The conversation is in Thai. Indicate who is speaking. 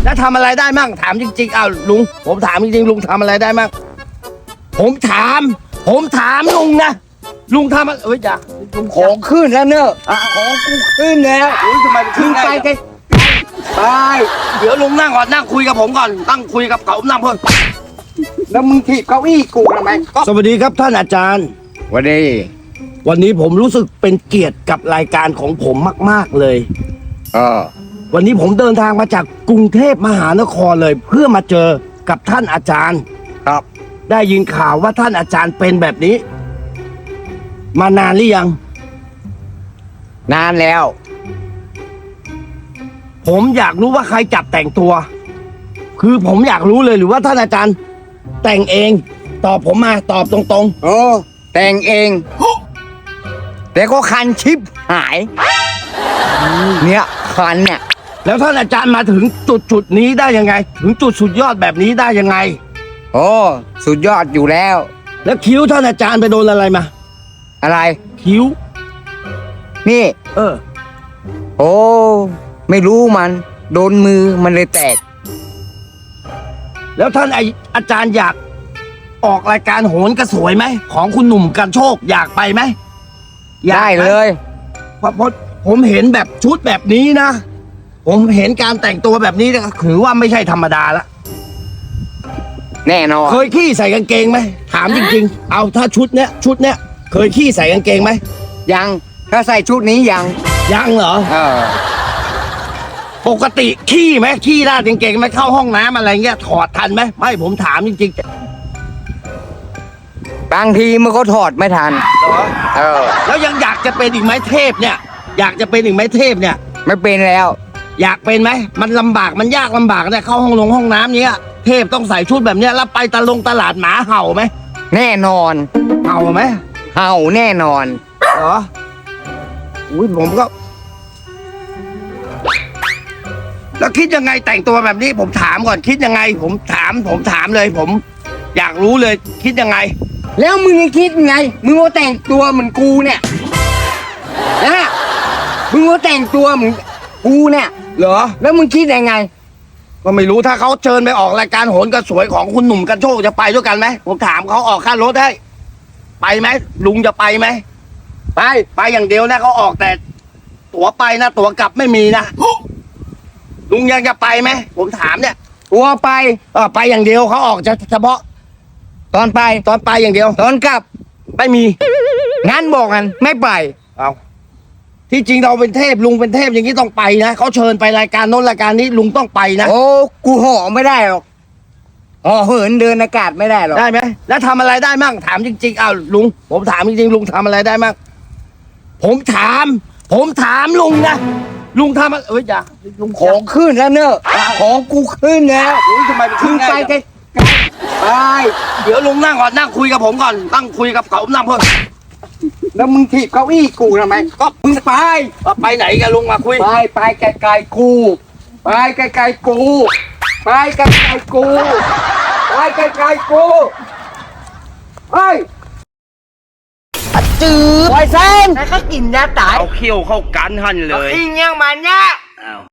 Speaker 1: แล้วทำอะไรได้มั่งถามจริงๆอ้าวลุงผมถามจริงๆลุงทำอะไรได้มั่งผมถามลุงนะลุงทำอะไรอย่าลุง
Speaker 2: ของขึ้นแล้วเนอะของกูขึ้นแล้ว
Speaker 1: ทำไม
Speaker 2: ขึ้นไปไกลไป
Speaker 1: เดี๋ยวลุงนั่งก่อนนั่งคุยกับผมก่อนนั่งคุยกับเขานั่งเพื่อน
Speaker 2: แล้วมึงถีบเก้าอี้กูทำไมก็
Speaker 1: สวัสดีครับท่านอาจารย์
Speaker 2: วันนี้
Speaker 1: วันนี้ผมรู้สึกเป็นเกียรติกับรายการของผมมากๆเลย วันนี้ผมเดินทางมาจากกรุงเทพมหานครเลย เพื่อมาเจอกับท่านอาจารย์
Speaker 2: ครับ
Speaker 1: ได้ยินข่าวว่าท่านอาจารย์เป็นแบบนี้ มานานหรือยัง
Speaker 2: นานแล้ว
Speaker 1: ผมอยากรู้ว่าใครจับแต่งตัว คือผมอยากรู้เลยหรือว่าท่านอาจารย์แต่งเองตอบผมมาตอบตรง
Speaker 2: โอ้แต่งเองแต่ก็คันชิบหาย เนี่ยคันเนี่ย
Speaker 1: ๆ แล้วท่านอาจารย์มาถึงจุดนี้ได้ยังไง ถึงจุดสุดยอดแบบนี้ได้ยังไง
Speaker 2: โอ้สุดยอดอยู่แล้ว
Speaker 1: แล้วคิ้วท่านอาจารย์ไปโดนอะไรมา
Speaker 2: อะไร
Speaker 1: คิ้ว
Speaker 2: นี่ โอ้ไม่รู้มัน โดนมือมันเลยแตก
Speaker 1: แล้วท่านอาจารย์อยากออกรายการโหนกระสวยไหมของคุณหนุ่มกันโชคอยากไปไหมอยาก
Speaker 2: ได้
Speaker 1: หม
Speaker 2: เลย
Speaker 1: เพราะผมเห็นแบบชุดแบบนี้นะ ผมเห็นการแต่งตัวแบบนี้นะถือว่าไม่ใช่ธรรมดาละ
Speaker 2: แน่นอน
Speaker 1: เคยขี้ใส่กางเกงไหมถามจริงๆ เอาถ้าชุดเนี้ยเคยขี้ใส่กางเกงไหม
Speaker 2: ยังถ้าใส่ชุดนี้ยัง
Speaker 1: ยังเหรอ
Speaker 2: เออ
Speaker 1: ปกติขี้ไหมขี้ราดกางเกงไหมเข้าห้องน้ำอะไรเงี้ยถอดทันไหมไม่ผมถามจริงๆ
Speaker 2: บางทีมันก็ถอดไม่ทัน เออ
Speaker 1: แล้วยังอยากจะเป็นอีกไหมเทพเนี่ย อยากจะเป็นอีกไหมเทพเนี่ย
Speaker 2: ไม่เป็นแล้ว
Speaker 1: อยากเป็นไหมมันลำบากมันยากลำบากเนี่ยเข้าห้องน้ำเนี้ยเทพต้องใส่ชุดแบบเนี้ยแล้วไปตลาดหมาเห่าไหม
Speaker 2: แน่นอน
Speaker 1: เห่าไหม
Speaker 2: เห่าแน่นอน
Speaker 1: เหรออุ้ยผมก็ แล้วคิดยังไงแต่งตัวแบบนี้ ผมถามก่อนคิดยังไง ผมถามเลย ผมอยากรู้เลยคิดยังไง
Speaker 2: แล้วมึงคิดไง มึงว่าแต่งตัวเหมือนกูเนี่ยนะมึงว่าแต่งตัวเหมือนกูเนี่ย
Speaker 1: เหรอ
Speaker 2: แล้วมึงคิดยังไง
Speaker 1: ก็ไม่รู้ถ้าเขาเชิญไปออกรายการโหนกระสวยของคุณหนุ่มกันโชคจะไปด้วยกันไหมผมถามเขาออกค่ารถให้ไปไหมลุงจะไปไหมไปอย่างเดียวนะเขาออกแต่ ตั๋วไปนะตั๋วกลับไม่มีนะลุงยังจะไปไหมผมถามเนี่ย
Speaker 2: ตัวไป
Speaker 1: ไปอย่างเดียวเขาออกเฉพาะ
Speaker 2: ตอนไป
Speaker 1: ตอนไปอย่างเดียว
Speaker 2: ตอนกลับ
Speaker 1: ไม่มี
Speaker 2: งั้นบอกกันไม่ไป
Speaker 1: เอาที่จริงเราเป็นเทพลุงเป็นเทพอย่างนี้ต้องไปนะเขาเชิญไปรายการโน้นรายการนี้ลุงต้องไปนะ
Speaker 2: โอ้ กูห่อไม่ได้หรอกห่อเหินเดินอากาศไม่ได้หรอก
Speaker 1: ได้ไหมแล้วทำอะไรได้มั่งถามจริงๆอ้าวลุงผมถามจริงๆลุงทำอะไรได้มั่งผมถามลุงนะลุงทำอะไรอย่าลุง
Speaker 2: ของขึ้นแล้วเนอะของกูขึ้นแล้ว
Speaker 1: ทำไมมัน
Speaker 2: ขึ้นไป
Speaker 1: ง่าย
Speaker 2: ไกล
Speaker 1: จัง
Speaker 2: ไป
Speaker 1: เดี๋ยวลุงนั่งก่อนนั่งคุยกับผมก่อนนั่งคุยกับเขานั่งเพื่อน
Speaker 2: แล้วมึงถีบเก้าอี้กูทำไมก็มึงไป
Speaker 1: ไปไหนกันลุงมาคุย
Speaker 2: ไปไกลๆกู ไปไกลๆกู ไปไกลๆกู ไปไกลๆกูเฮ้ยจืดไวเส้นแล้วก็กินยาตาย
Speaker 1: เอาเขี้ยวเข้ากันหันเลย
Speaker 2: อิงยังมันเนี่ย